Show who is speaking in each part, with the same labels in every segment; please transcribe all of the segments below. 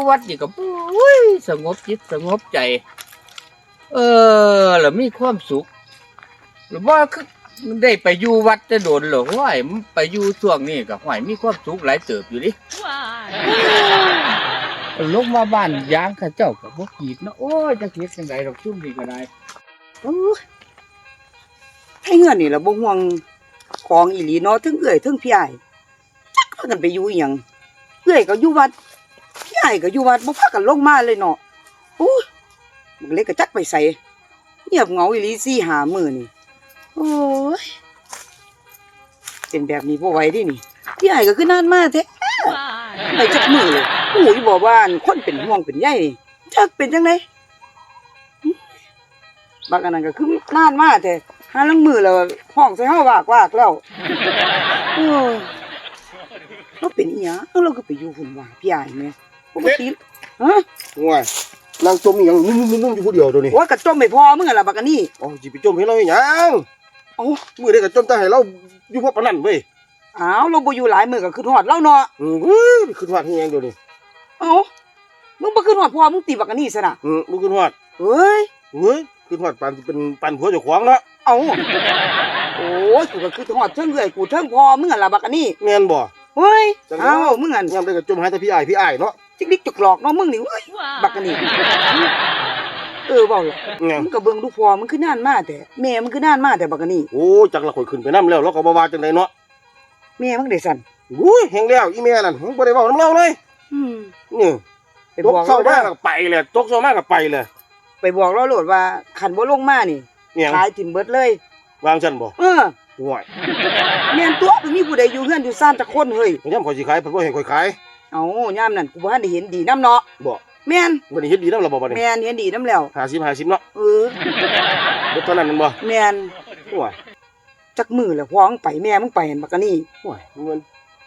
Speaker 1: วัดนี่ก็ปุ้ยสงบจิตสงบใจแล้วมีความสุขหรือว่าคือได้ไปอยู่วัดจะโดนหรอห้อยไปอยู่ช่วงนี้ก็ห้อยมีความสุขหลายเติบอยู่ดิลงมาบ้านยางข้าเจ้าก็บ่กีดเนาะโอ้ยจะเฮ็ดจังได๋ดอกซุ่มนี่ก็ได้
Speaker 2: ให้เงินนี่ล่ะบ่ห่วงของอีหลีเนาะถึงเอื้อยถึงพี่อ้ายจักพากันไปอยู่อีหยังเอื้อยก็อยู่วัดพี่อ้ายก็อยู่วัดบ่พากันลงมาเลยเนาะโอ้ยมันเลยก็จักไปใส่เงียบเหงาอีหลี4-5 มื้อนี่โอ้ยเป็นแบบนี้บ่ไหวเดินี่พี่อ้ายก็คือนานมาแท้ไปจักมื้อเลยโอ้ยบ่ว่าคนเป็นห่วงเป็นใยนี่จักเป็นจังได๋บักอันนั้นก็คือนานมาแท้หาลังมือแล้วห้องใส่เฮาวากแล้วโอ้ยเราเป็นอีหยังเราก็ไปอยู่พุ่นว่าพี่อ้ายแม่ปกติฮะ
Speaker 3: ง่วยนางจมอีหยังนุ่มๆอยู่ผู้เดียวตัวนี้
Speaker 2: โอ้ยกระจมไม่พอมึงอะล่ะบักอันนี้
Speaker 3: อ๋อสิไปจมให้เราอีหยัง
Speaker 2: เอ้า
Speaker 3: มื้อใดก็จมแต่ให้เราอยู่พวกปานนั้นเว้ย
Speaker 2: อ้าวเราบ่อยู่หลายมื้อก็คือฮอดเราเนาะ
Speaker 3: ขึ้นฮอดเฮียงเดี๋ยวนี้
Speaker 2: เอ้ามึงบ่คือฮอดพ่อมึงตีบักอันนี้ซะน่ะ
Speaker 3: บ่ขึ้นฮอด
Speaker 2: เฮ้ย
Speaker 3: เฮ้ยขึ้นฮอดปานสิเป็นปานผัวเจ้าของเนาะ
Speaker 2: เอ้าโอ้ยกูก็คือฮอดเทิงเอื้อยกูเทิงพ่อมึงอะล่ะบักอันนี้
Speaker 3: แม่นบ่
Speaker 2: เฮ้ยเอ้ามึงอัน
Speaker 3: ยามใดก็จมหาแต่พี่อ้ายเนาะ
Speaker 2: จิกลิกจุกหลอกเนาะมึงนี่เว้ยบักอันนี้เว้าล่ะ
Speaker 3: แม่น
Speaker 2: มึงก็เบิ่งดูพ่อมึงคือนานมาแต่แม่มึงคือนานมาแต่บักอันนี้
Speaker 3: โอ้จักละข่อยขึ้นไปนำแล้วเราก็บ่ว่าจังได๋เนาะ
Speaker 2: แม่มึงได้สั่น
Speaker 3: อุ้ยแฮงแล้วอีแม่นั่นบ่ได้เว้านำเราเลย
Speaker 2: อืม
Speaker 3: นี่
Speaker 2: ไป
Speaker 3: ต
Speaker 2: บ
Speaker 3: ก
Speaker 2: อก
Speaker 3: เช้า
Speaker 2: เรา
Speaker 3: มา
Speaker 2: เด้อ
Speaker 3: ก็ไปเลยตกเช้ามาก็ไปเลย
Speaker 2: ไปบอกเราโลดว่าคันบ่ลงมานี่
Speaker 3: เมียง
Speaker 2: ขายถิ่มเบิดเลย
Speaker 3: วางซั่นบ่ ห่วย
Speaker 2: แม่นตัวบ่มีผู้ใดอยู่เฮือนอยู่ซ่านจักคนเฮ้ย
Speaker 3: ยามข่อยสิขายเพิ่นบ่ให้ข่อยขาย
Speaker 2: เอ้ายามนั้นกูบ่ทันได้เห็นดีนํเนาะ
Speaker 3: บ่
Speaker 2: แม่น
Speaker 3: บ่ได้เฮ็ดดีนำเราบ่บัดนี้
Speaker 2: แม่นเห็นดีนํแล้ว
Speaker 3: 50เนาะ
Speaker 2: เออ
Speaker 3: บ่เท่านั้นแม่นบ่
Speaker 2: แม่น
Speaker 3: ห่วย
Speaker 2: จักมื้อแล้วพ่อมึงไปแม่มึงไปเห็นบักกะนี่
Speaker 3: ห่วยมัน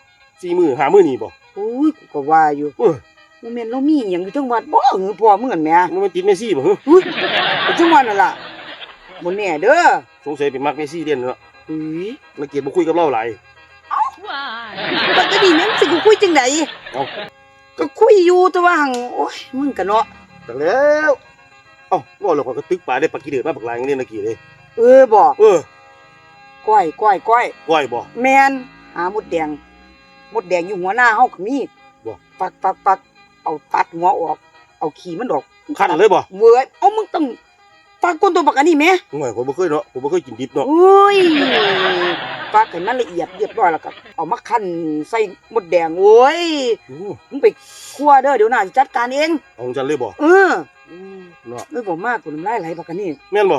Speaker 3: 4 มื้อ5มื้อนี่บ่
Speaker 2: โอ้ยกูก็ว่าอยู่
Speaker 3: เอ้ย
Speaker 2: บ่แม่นเรามีหยังอยู่จังหวัดบ่หือพ่อมึงอั่นแหม่
Speaker 3: มันติดเมสซี่บ่ฮึ
Speaker 2: อุ้ยไปจังหวัดนั่นล่ะบ่แน่เด้อ
Speaker 3: สงสัยเป็นมักเมสซี่เด่นเนาะ
Speaker 2: เฮ้ย
Speaker 3: ละเกียดบ่คุยกับเราหลาย
Speaker 2: บักกะนี่แม่งสิกูคุยจังได
Speaker 3: เอ้า
Speaker 2: ก็คุยอยู่แต่ว่าหั่งโอ้ยมึงก็เนาะ
Speaker 3: จังแล้วเอ้าว่าแล้วข่อยก็ตึกปลาได้ปลากี่เดือดมาบักหลายอย่างนี้ละกี่เลย
Speaker 2: บ่
Speaker 3: ก้อย
Speaker 2: ก้อย
Speaker 3: บ่
Speaker 2: แม่นหามดแดงอยู่หัวหน้าเฮาก็มี
Speaker 3: บ่
Speaker 2: ปักเอาตัดหัวออกเอาขี้มันออก
Speaker 3: คันเลยบ่
Speaker 2: เว้ยเอามึงต้องปักก้นตัวบักอันนี้แหม
Speaker 3: ห่วยข่อยบ่เคยเนาะผมบ่เคยกินดิบเนาะ
Speaker 2: โอ้ยปักให้มันละเอียดเรียบร้อยแล้วก็เอามาคั่นใส่มดแดงโอ้ย
Speaker 3: โอ้
Speaker 2: มึงไปคั่วเด้อเดี๋ยวน้าสิจัดการเอง
Speaker 3: เอาจังเลยบ่
Speaker 2: เออ
Speaker 3: เนาะ
Speaker 2: บ่มากกูน้ำลายไหลบักอันนี้
Speaker 3: แม่นบ่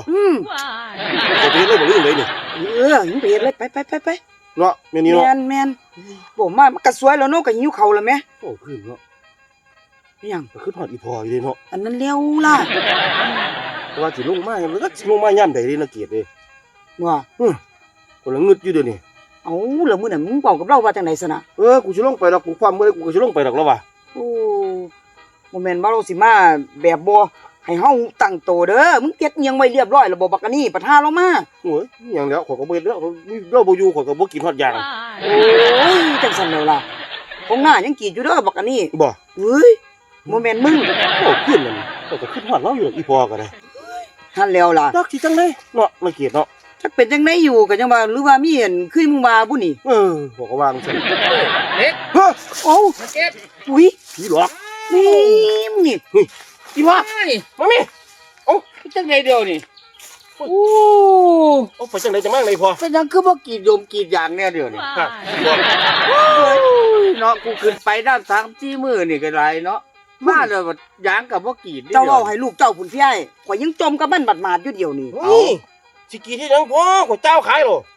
Speaker 2: Ừ.
Speaker 3: จะไปเฮ็ดเลยบ่ลืมเลยนี่
Speaker 2: มึงไปเฮ็ดเลยไป
Speaker 3: เนาะแม่นนี่เนาะ
Speaker 2: แม่นบ่มากมันก็สวยแล้วเนาะก็หิวข้าวแล้วแหม
Speaker 3: โอ้ขึ้นเนาะ
Speaker 2: อิหยัง
Speaker 3: ก็ขึ้นฮอดอีพออยู่เลยเนาะ
Speaker 2: อันนั้นเร็วล่ะ
Speaker 3: แต่ว่าสิลงมายังก็สิลงมายามใดเด้ละเกียดเด้
Speaker 2: ว่า
Speaker 3: คนละงึดอยู่เดี๋ยวนี้
Speaker 2: เอาแล้วมื้อนั้นมึงเว้ากับเราว่าจังได๋ซะน่ะ
Speaker 3: กูสิลงไปดอกกูความมื้อกูก็สิลงไปดอกแล้วว่ะ
Speaker 2: โอ้บ่แม่นว่าเราสิมาแบบบ่ให้เฮาตั้งโตเด้อมึงเก็บอิหยังไว้เรียบร้อยแล้วบ่บักอันนี้ประทาเรามา
Speaker 3: โอ้ยอิหยังแล้วข่อยก็บ่เฮ็ดแล้วเราบ่อยู่ข่อยก็บ่กินฮอดยาง
Speaker 2: โอ้ยจังซั่นแล้วล่ะของหน้ายังกรีดอยู่เด้อบักอันนี้
Speaker 3: บ่
Speaker 2: เฮ้ยบ่แม่นมึง
Speaker 3: โอ้ขึ้นนั่นข่อยก็ขึ้นฮอดเราอยู่ดอกอีพอก็ได้
Speaker 2: หั่นแล้วล่ะ
Speaker 3: จักสิจังได๋เนาะละเกียดเนาะ
Speaker 2: จักเป็นจังได๋อยู่ก็จังว่าหรือว่ามีอันคือมึงว่าบุนี่
Speaker 3: ข่อยก็วางซั่น
Speaker 1: เด็ก
Speaker 3: เฮ้อ
Speaker 2: โอ้
Speaker 1: มาเก็บ
Speaker 2: อุ้ย
Speaker 3: ผีหลอก
Speaker 2: นี่มึงนี่
Speaker 3: อีพอ
Speaker 1: ไอ้
Speaker 3: มาแม่
Speaker 1: จังไดเดียวนี่โอ้
Speaker 3: เอาไปจังไดจังมาเลยพอ
Speaker 1: เป็นหยังคือบ่กรีดยมกรีดยางเนี่ยเดียวนี่
Speaker 3: ครับ
Speaker 1: เนาะกูขึ้นไปด้านทางที่มือนี่ก็ได้เนาะมาแล้วก็ยางกับบ่กรีด
Speaker 2: เจ้าเว้าให้ลูกเจ้าพุ่นพี่ไอ้ข่อยยังจมกับมันบาดๆอยู่เดียวนี่
Speaker 3: เฮ้ยสิกินที่ยังพอข่อยเจ้าขายหรอ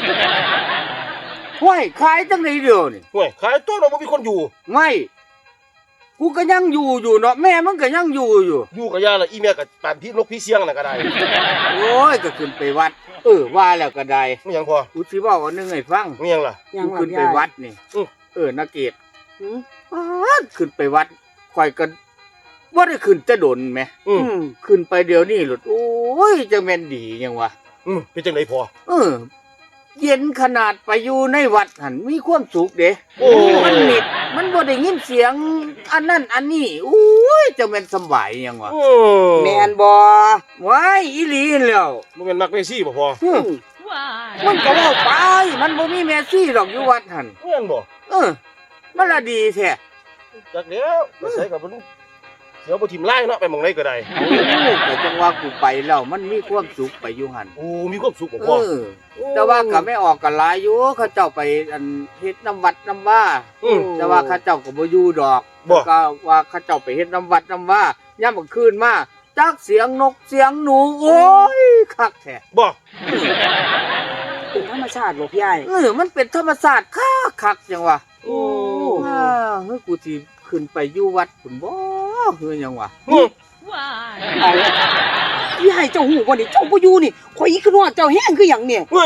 Speaker 1: ห้วยขายจังไดเดียวนี่
Speaker 3: ห่วยขายตัวเราบ่มีคนอยู่
Speaker 1: ไม่กูก็ยังอยู่เนาะแม่มันก็ยังอยู่
Speaker 3: อยู่กับยาละอีเมียกับปานพี่นกพี่เสียงน่ะก็ได้
Speaker 1: โอ้ยก็ขึ้นไปวัดว่าแล้วก็ได้
Speaker 3: ไม่ยังพอ
Speaker 1: กูสิเว้าอันหนึงให้ฟัง
Speaker 3: ไม่ยังล่ะ
Speaker 2: ยัง
Speaker 1: กู
Speaker 2: ล่ะ
Speaker 1: ขึ้น
Speaker 2: พี่
Speaker 1: ไป
Speaker 2: อ้าย
Speaker 1: วัดนี่ นักเกต
Speaker 2: หือ
Speaker 1: ขึ้นไปวัดข่อยก็บ่ได้ขึ้นจะดนแหม
Speaker 3: อืม
Speaker 1: ขึ้นไปเดี๋ยวนี้หลุดโอ้ยจังแม่นดียังวะ
Speaker 3: เป็นจังไดพอ
Speaker 1: เย็นขนาดไปอยู่ในวัดหันมีความสุขเด้
Speaker 3: โอ้
Speaker 1: มันมิดมันบ่ได้ยินเสียงอันนั้นอันนี้อุ้ยจะแม่นสำบายหยังวะ
Speaker 2: แม่นบ่
Speaker 1: ว้ายอีหลีแล้ว
Speaker 3: มันเป็นมักเมซี่บ่พอ
Speaker 1: มันก็เว้าไปมันบ่มีเมสซี่หรอกอยู่วัดหั่น
Speaker 3: เงี้ยบ่
Speaker 1: มันละดีแท้
Speaker 3: จักเดี๋ยวไปใส่กับมันเดี๋ยวบ่ทิมไล่เนาะไปหม่องไหนก็ได้
Speaker 1: ก็จังว่ากูไปแล้วมันมีความสุขไปอยู่หั่น
Speaker 3: โอ้มีความสุขบ่พอ
Speaker 1: แต่ว่าก็ไม่ออกกันหลายอยู่เขาเจ้าไปอันเฮ็ดน้ำวัดน้ำว่า แต่ว่าเขาเจ้าก็บ่อยู่ดอก
Speaker 3: บ่
Speaker 1: ก็ว่าเขาเจ้าไปเฮ็ดน้ำวัดน้ำว่ายามมื้อคืนมาจักเสียงนกเสียงหนูโอ้ยคักแท้
Speaker 3: บ่
Speaker 2: เป็นธรรมชาติบ่พี่ใหญ่
Speaker 1: มันเป็นธรรมชาติคักจังวะ
Speaker 3: โอ้
Speaker 1: เฮ้ยกูสิขึ้นไปอยู่วัดพุ่นบ่เฮ้ยหยังวะ
Speaker 2: เอาพี่ใหญ่เจ้าหูบ่นี่เจ้าบ่อยู่นี่ข่อยอีคือฮอดเจ้าแห้งคือหยังเนี่ย
Speaker 3: เฮ้ย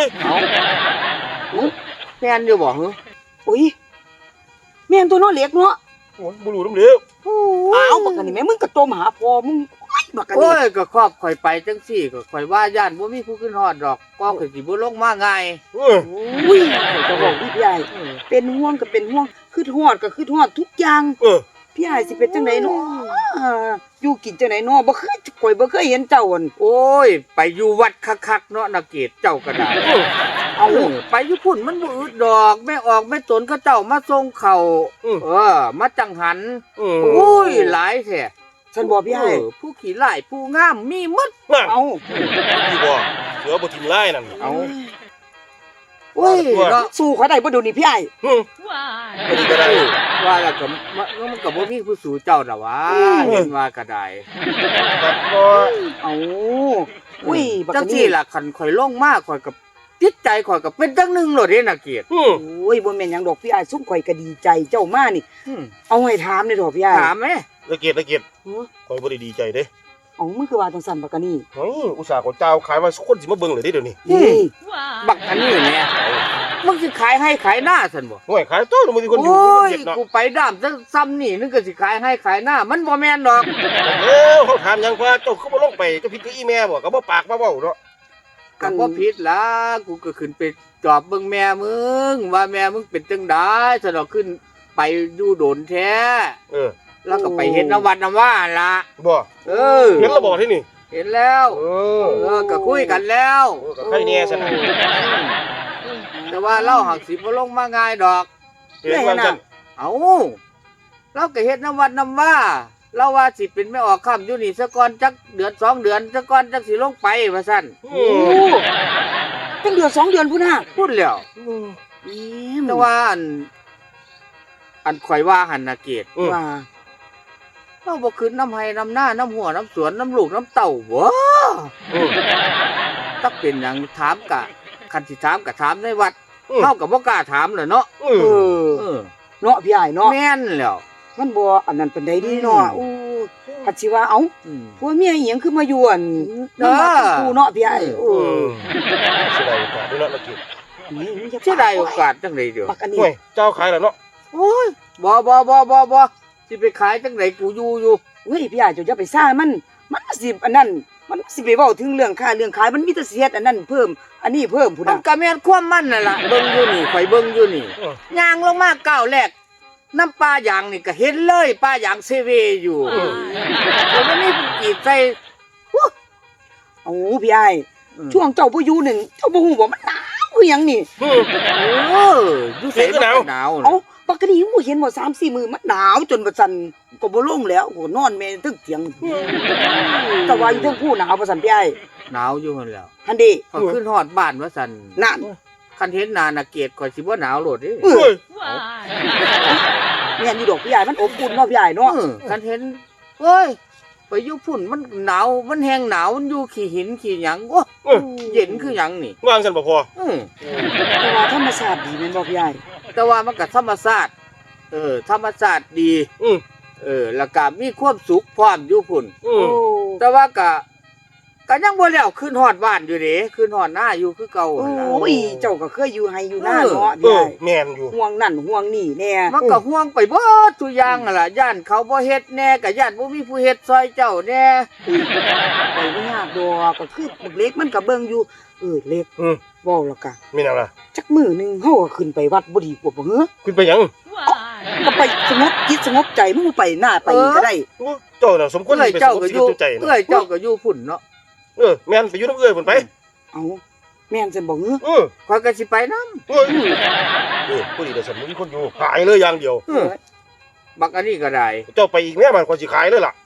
Speaker 1: แม่นอยู่บ่เฮ้ย
Speaker 2: โอ้ยแม่นตัวเนาะเล็กเนาะ
Speaker 3: โอ้ยบ่รู้นำเด้อ
Speaker 2: อ้าวบักอันนี้แม่มึงก็โตมาหาพ่อมึงโอ้ยบักอัน
Speaker 1: โอ้
Speaker 2: นี้
Speaker 1: ยก็ครอบข่อยไปจังซี่ก็ข่อยว่าย่านบ่มีผู้ขึ้นฮอดดอกก็ข่อยสิบ่ลงมาง่าย
Speaker 3: เออ
Speaker 2: อุ้ยข่อยจะบอกพี่ใหญ่เป็นห่วงก็เป็นห่วงคือฮอดก็คือฮอดทุกอย่าง
Speaker 3: เออ
Speaker 2: พี่ใหญ่สิเป็นจังไดเนาะอยู่กินจังไดเนาะบ่เคยข่อยบ่เคยเห็นเจ้าอั่น
Speaker 1: โอ้ยไปอยู่วัดคักๆเนาะนาเกตเจ้าก็ได้
Speaker 2: เอา
Speaker 1: ไปอยู่พุ่นมันบ่อึดดอกแม่ออกแม่ตนเขาเจ้ามาส่งเข้ามาจังหัน โอ้ยหลายแท้
Speaker 2: ฉันบอกพี่ใหญ่
Speaker 1: ผู้ขี้ร้ายผู้งามมีหมด
Speaker 3: นั่น
Speaker 2: เอา
Speaker 3: พี่บ่เสือบ่ทิมไล่นั่น
Speaker 1: เอาโอ้ยเนาะ
Speaker 2: สู้เขาได้บ่เดูนี่พี่ใหญ่
Speaker 3: อืมบ่ดีก็ได้
Speaker 1: ว่าแล้วก็มันก็บ่มีผู้สู่เจ้าดอกวะเห็นว่าก็ได้
Speaker 3: ครับบ่
Speaker 2: เอาอุ้ยบัก
Speaker 1: จั
Speaker 2: อั
Speaker 1: ง
Speaker 2: น
Speaker 1: ซี่
Speaker 2: นี้
Speaker 1: ล่ะคันข่อยลงมาข่อยก็จิตใจข่อยก็เป็นจังหนึงโลดเด้นาเกต
Speaker 3: อืม
Speaker 2: โอ้ยบ่แม่นหยังดอกพี่ใหญ่ซุ่มข่อยก็ดีใจเจ้ามานี่
Speaker 1: อืม
Speaker 2: เอาให้ถามเลยดอกพี่ใหญ่
Speaker 1: ถามแม่
Speaker 3: ละเกียดข่อยบ่ได้ดีใจเด้
Speaker 2: เอามึงคือว่าจังซั่นบักอันนี้
Speaker 3: เฮ้ยอุตส่าห์ก็เจ้าขายว่าคนสิมาเบิ่งเลยเด้เดี๋ยวนี้
Speaker 2: นี่
Speaker 1: บักอันนี้แหม่มึงสิขายให้ขายหน้าซั่นบ่
Speaker 3: ห่วยขายตัวมันมีคนอยู่
Speaker 1: โอ้ย
Speaker 3: เจ็บเนาะ
Speaker 1: กูไปด้ามซ้ำนี่นึกก็สิขายให้ขายหน้า มันบ่แม่นดอก
Speaker 3: เอ้าเขาถามหยังว่าเจ้าคือบ่ลงไปเจ้าผิดกับอีแม่บ่ก็บ่ปากบ่เว้าเนาะ
Speaker 1: ก็บ่ผิดล่ะกูก็ขึ้นไปจอบเบิ่งแม่มึงว่าแม่มึงเป็นจังได๋ซะดอกขึ้นไปอยู่โดนแท้
Speaker 3: เออ
Speaker 1: แล้วก็ไปเฮ็ดน้ำวัดน้ำว่าล่ะ
Speaker 3: บ่
Speaker 1: เออ
Speaker 3: เห็นแล้วบ่ที่นี่
Speaker 1: เห็นแล้ว
Speaker 3: เออ
Speaker 1: ก็คุยกันแล้ว
Speaker 3: ก็ใครแน่ซะนะ
Speaker 1: แต่ว่าเราหักสิบ่ลงมาง่ายดอก
Speaker 3: เห็นว่าซั่น
Speaker 1: เอาเราก็เฮ็ดน้ำวัดน้ำว่าเราว่าสิเป็นไม่ออกค่ำอยู่นี่ซะก่อนจักเดือน2 เดือนซะก่อนจักสิลงไปว่าซั่น
Speaker 3: อื
Speaker 2: โอ้
Speaker 3: ม
Speaker 2: ตั้งเดือน2 เดือนพุ่นน่ะ
Speaker 1: พูดแล้ว แต่ว่าอันข่อยว่าหันนาเกต
Speaker 2: ว่า
Speaker 1: เราบ่ขึ้นน้ำไห้น้ำหน้าน้ำหัวน้ำสวนน้ำลูกน้ำเต่าบ่
Speaker 3: อืม
Speaker 1: ตักเป็นหยังถามกะคันสิถามกะถามในวัด
Speaker 3: อืม
Speaker 1: เฮาก็บ่กล้าถามแหละเนาะ
Speaker 3: อื
Speaker 2: เอ
Speaker 3: ม
Speaker 2: อ
Speaker 1: เออ
Speaker 2: เนาะพี่ใหญ่เนาะ
Speaker 1: แม่นแล้ว
Speaker 2: มันบ่อันนั้นเป็นได้ดีเนาะ
Speaker 1: อื
Speaker 2: โอ้
Speaker 1: ม
Speaker 2: ปัจจิว่าเอ้า
Speaker 1: อืม
Speaker 2: ผัวเมียอีหยังคือมาอยู่อั่น
Speaker 1: เออ
Speaker 2: น้ำมาเป็นคู่เนาะพี่ใหญ่โอ้
Speaker 3: อืมเสียดายโอกาสด้วยเนาะละเกียด
Speaker 2: ยมึงจะ
Speaker 1: เสียดายโอกาสจังไดเด้อ
Speaker 2: ปักอันนี้
Speaker 3: ห่วยเจ้าขายแล้วเนาะ
Speaker 1: โอ้ยบ่สิไปขายจังไดกูอยู่
Speaker 2: เฮ้ยพี่ใหญ่เจ้าอย่าไปซ่ามันสิอันนั้นมันสิไปเว้าถึงเรื่องค่าเรื่องขายมันมีแต่สิเฮ็ดอันนั้นเพิ่มอันนี้เพิ่มพุ่น
Speaker 1: มัน
Speaker 2: น่ะ
Speaker 1: ก็แม่นความมันนั่นล่ะเบิ่งอยู่นี่ข่อยเบิ่งอยู่นี่
Speaker 3: เออ
Speaker 1: ย่างลงมาก้าวแรกน้ำปลายางนี่ก็เห็นเลยปลายางเซเวอยู่
Speaker 3: อืม
Speaker 1: แล้วมันนี่กีดใส่
Speaker 2: โอ้พี่ใหญ่ช่วงเจ้าบ่อยู่นั่นเจ้าบ่ฮู้บ่มันหนาวคือหยังนี่
Speaker 3: อืม
Speaker 1: เอออยู่ใส่มันก็หนาว
Speaker 2: เอ้าปกติบ่เห็นบ่3-4 มื้อมันหนาวจนว่าซั่นก็บ่ลงแล้วก็นอนแม่ตึกเถียงแต่ว่าอยู่เทิงผู้หนาวว่าซั่นพี่ใหญ่
Speaker 1: หนาวอยู่หั่นแหล้ว
Speaker 2: หั่นเด้
Speaker 1: พอขึ้นฮอดบ้านว่าซั่น
Speaker 2: นั่น
Speaker 1: คันเห็นหน้าน่ะเกลียดข่อยสิบ่หนาวโลดเด้
Speaker 2: เออ
Speaker 3: เฮ้ย
Speaker 2: แม่นอยู่ดอกพี่ใหญ่มันอบอุ่นเนาะพี่ใหญ่เนาะ
Speaker 1: คันเห็นเอ้ยไปอยู่พุ่นมันหนาวมันแห้งหนาวมันอยู่ขี้หินขี้หยังโอ้
Speaker 3: เออ
Speaker 1: เย็นคือหยังนี่
Speaker 3: วางซั่นบ่พอ
Speaker 2: แต่ว่าธรรมชาติดีแม่นบ่พี่ใหญ่
Speaker 1: แต่ว่ามันก็ธรรมชาติธรรมชาติดี
Speaker 3: อืม
Speaker 1: แล้วก็มีความสุขพร้อมอยู่พุ่น
Speaker 3: อืม
Speaker 1: แต่ว่าก็ยังบ่แล้วขึ้นฮอดบ้านอยู่เด้ขึ้นฮอดหน้าอยู่คือเก่า
Speaker 2: โอ
Speaker 1: หั่นล่ะ
Speaker 2: ้ยเจ้าก็เคยอยู่ไห้อยู่หน้าเนาะ
Speaker 3: เอ
Speaker 2: พี่ให
Speaker 3: อ
Speaker 2: ญ่
Speaker 3: แม่นอยู่
Speaker 2: ห่วงนั่นห่วงนี่แน่
Speaker 1: มันก็ห่วงไปเบิดทุกอย่างนั่นล่ะย่านเขาบ่เฮ็ดแน่ก็ย่านบ่มีผู้เฮ็ดซอยเจ้าแน่
Speaker 2: ไปบ่ยากดอกก็คือบักเล็กมันก็เบิ่งอยู่เล็ก
Speaker 3: อืม
Speaker 2: เว้าแล้วก็
Speaker 3: มีแนวล่ะ
Speaker 2: จักมื้อหนึงเฮาก็ขึ้นไปวัดบ่ดีกว่าบ่เหรอ
Speaker 3: ขึ้นไปหยัง
Speaker 2: ก็ไปสงบจิตสงบใจมึงไปหน้าไปนี่ก็ได้
Speaker 3: เจ้าน่ะสมควร
Speaker 1: เอ้ย
Speaker 3: ไปส
Speaker 1: เจ้าง
Speaker 3: บ
Speaker 1: ก็
Speaker 3: ชี
Speaker 1: อยู่
Speaker 3: วิตใจ
Speaker 1: เอ้
Speaker 3: นะ
Speaker 1: ยเจ้าก็อยู่พุ่นเนาะ
Speaker 3: แม่นไปอยู่น้ำเอื้อยพุ่นไป
Speaker 2: เอาแม่นซั่นบ่หือ
Speaker 1: ข่อยก็สิไปนำ
Speaker 3: เอ้ยผู้ดีแต่สมมุติมีคนอยู่ขายเลยอย่างเดียว
Speaker 1: บักอันนี้ก็ได้
Speaker 3: เจ้าไปอีกแม่มันคนสิขายเลยล่ะ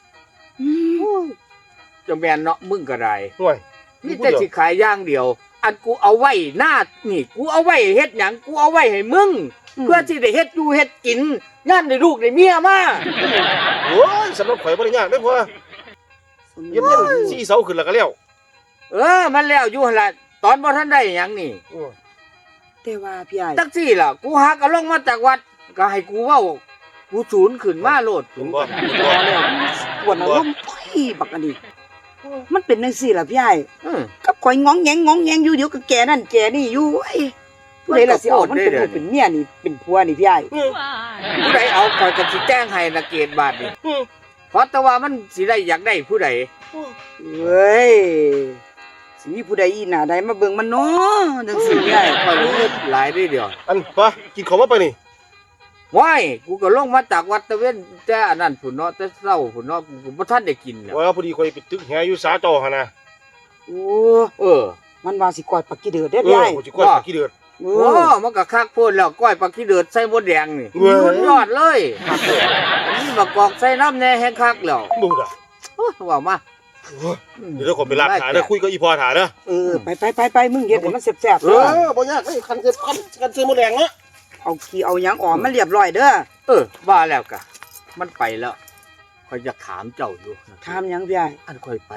Speaker 1: จะแม่นเนาะมึงก็ได้
Speaker 3: ห่วย
Speaker 1: นี่แต่สิขายอย่างเดียว อันกูเอาไว้หน้านี่กูเอาไว้เฮ็ดหยังกูเอาไว้ให้มึง เพื่อที่ได้เฮ็ดอยู่เฮ็ดกินย่านได้ลูกได้เมียมา
Speaker 3: โอ้ยสำหรับข่อยบ่ได้ยากเด้อพ่อเย็บเงิน4เสาขึ้นแล้วก็แล้ว
Speaker 1: มันแล้วอยู่หั่นล่ะตอนบ่ทันได้หยังนี่
Speaker 2: แต่ว่าพี่ใหญ่
Speaker 1: จักซี่ล่ะกูหาก็ลงมาจากวัดก็ให้กูเว้ากูสูญขึ้นมาโลด
Speaker 3: เห็นบ่
Speaker 2: พอแล้วปวดอารมณ์ไปบักอันนี้มันเป็นจังซี่ล่ะพี่ใหญ่ กับข่อยง้องแงงอยู่เดี๋ยวก็แกนั่นแกนี่อยู่ไอ้ผู้ใดล่ะสิเอามันเป็นลูกเป็นเมียนี่เป็นผัวนี่พี่ใหญ่
Speaker 1: ผู้ใดเอาข่อยก็สิแจ้งให้นะเกตบาทนี่เพราะแต่ว่ามันสิได้อยากได้ผู้ใด
Speaker 2: เว้ยสิมีผู้ใดอีหน้าใดมาเบิ่งมันเนาะจังซี่พี่ใหญ่
Speaker 1: ข่อยรู้หลายได้เดียว
Speaker 3: อันป่ะกินของมาไปนี่
Speaker 1: ว้ายกูก็ลงมาจากวัดตะเวนแต่อันนั้นพุ่นเนาะแต่เช้าพุ่นเนาะกูบ่ทันได้กินแล้ว
Speaker 3: ว่าพอดีข่อยไปตึกแหอยู่สาจอหั่นน่ะ
Speaker 2: โอ้
Speaker 1: เออ
Speaker 2: มันว่าสิกอดปักกี้เดือดเด้อพี่ใหญ่
Speaker 3: ข่อยสิกดขี้เดือด
Speaker 2: โอ้
Speaker 1: โอ้มันก็คักโพดแล้วก้อยปลาขี้เดือดใส่มดแดงนี่
Speaker 3: เว้ย
Speaker 1: สุดยอดเลยอันนี้มากอกใส่น้ำแน่แห้งคักแล้ว
Speaker 3: ดูด่ะ
Speaker 1: โอ้ว่ามา
Speaker 3: เดี๋ยวข่อยไปลาดขาเด้อคุยกับอีพ่อถาเด้อ
Speaker 2: ไปมึงเฮ็ดให้มันแซ่บๆ
Speaker 3: เอ
Speaker 2: เด้อ
Speaker 3: อบ่ยากเอ้ยคันซื้อหมดแรงเนาะ
Speaker 2: เอาขี้เอาหยังออกมันเรียบร้อยเด้อ
Speaker 1: ว่าแล้วกะมันไปแล้วคอยจะถามเจ้าอยู่
Speaker 2: ถามหยังพี่ใหญ่
Speaker 1: อันคอยไป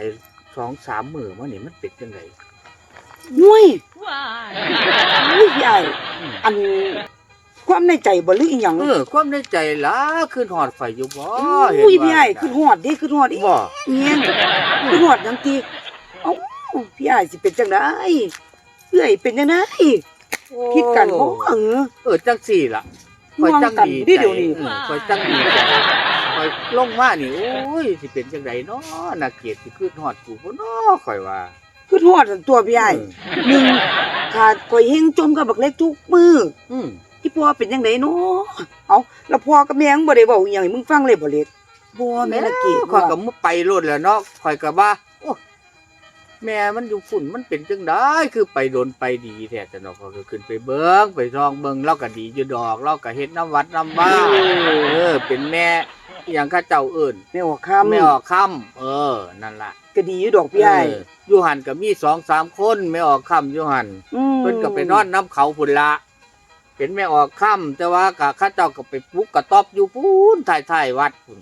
Speaker 1: 2-3 มื้อมานี่มันเป็นจังได
Speaker 2: ห่วยพี่ใหญ่อันความในใจบ่หรืออีหยัง
Speaker 1: ความในใจล่ะขึ้นหอดไฟอยู่บ่เห็น
Speaker 2: อุ้ย
Speaker 1: ว่า
Speaker 2: พี่ใหญ่คือฮอดเด้คือฮอดอี
Speaker 1: บ่
Speaker 2: เงี้ยคือฮอดจังตีเอ้าพี่ใหญ่สิเป็นจังได๋เอ้ยเป็นจังได๋คิดกันบ่
Speaker 1: จังสี่ล่ะคอยจังดี
Speaker 2: เดี๋ยวนี้
Speaker 1: คอยจังดีใจคอยลงมานี่โอ้ยสิเป็นจังไดเนาะน่าเกลียดสิขึ้นฮอดกูบ่เนาะข่อยว่า
Speaker 2: คือฮอดตัวพี่ใหญ่หนึ่งขาดข่อยเฮงจมกับบักเล็กทุกมื้อ อีพ่อเป็นจังไดเนาะเอาแล้วพ่อกับแม่มึงบ่ได้เว้าอีหยังให้มึงฟังเลยบ่เล็กบ่แม่ละเกด
Speaker 1: ข่อยก็ไปโลดแล้วเนาะข่อยก็ว่าโอ้แม่มันอยู่ฝุ่นมันเป็นจังได๋คือไปโดนไปดีแท้แต่เนาะก็ขึ้นไปเบิ่งไปซองเบิ่งเราก็ดีอยู่ดอกเราก็เฮ็ดน้ำวัดน้ำบ้าเป็นแม่อีหยังเขาเจ้าเอิ้น
Speaker 2: แม่ออกคำ
Speaker 1: แม่ออกค่ำนั่นล่ะ
Speaker 2: ก็ดีอยู่ดอกพี่ใหญ่
Speaker 1: อยู่หันก็มี2-3 คนแม่ออกค่ำอยู่หันเพิ่นก็ไปนอนน้ำเขาพุ่นละเป็นแม่ออกค่ำแต่ว่าก็เขาเจ้าก็ไปปลุกกระต๊อบอยู่พูนท้ายๆวัดพุ่น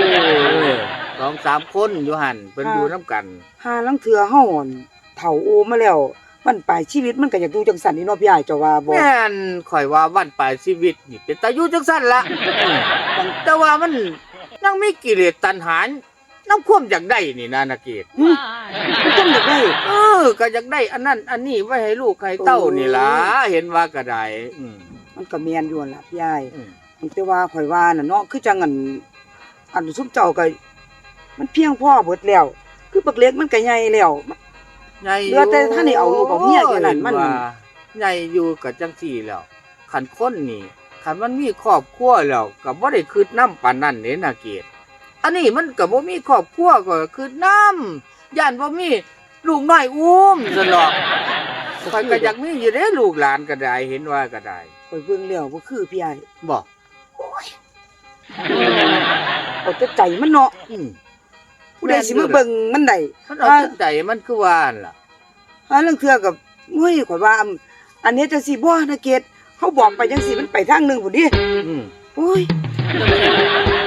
Speaker 1: 2-3 คนอยู่หันเพิ่นอยู่น้ำกัน
Speaker 2: หาลังเทื่อเฮาอ่อนเฒ่าโอมาแล้วมันปลายชีวิตมันก็อยากอยู่จังซั่นนี่เนาะพี่ใหญ่เจ้าว่าบ่
Speaker 1: แม่นข่อยว่าวันปลายชีวิตนี่เป็นตาอยู่จังซั่นละแต่ว่ามันยังมีกิเลสตัณหาน้ำความอยากได้นี่นะนาเกต
Speaker 2: มันต้องอยากได้
Speaker 1: ก็อยากได้อันนั้นอันนี้ไว้ให้ลูกให้เต้านี่ล่ะเห็นว่าก็ได้
Speaker 2: มันก็แม่นอยู่นั่นล่ะพี่ใหญ่แต่ว่าข่อยว่าน่ะเนาะคือจังอันซุมเจ้าก็มันเพียงพอเบิดแล้ว คือบักเล็กมันก็ใหญ่แล้ว
Speaker 1: ใหญ่
Speaker 2: เหลือแต่ท่านนี่เอาลูกเอาเมียแค่นั้นมัน
Speaker 1: ว่าใหญ่อยู่กับจังซี่แล้วคันคนนี่คันมันมีครอบครัวแล้วก็บ่ได้คิดนำปานนั้นเด้นาเกตอันนี้มันก็บ่มีครอบครัวก็คิดนำย่านบ่มีลูกน้อยอุ้มซั่นหรอกข้อยก็อยากมีอยู่เด้ลูกหลานก็ได้เห็นว่าก็ได้
Speaker 2: ข่อยเบิ่งแล้วบ่คือพี่ใหญ่
Speaker 1: บ่
Speaker 2: เอาแต่ใจมันเนาะผู้ใดสิมาเบิ่งมันได้
Speaker 1: มันเอาแต่ใจมันคือว่านั่นล่ะ
Speaker 2: หาลังเทื่อก็เฮ้ยข่อยว่าอันนี้จังซี่บ่นะเกดเฮาบอกไปจังซี่มันไปทางนึงพุ่นดิโอ้ย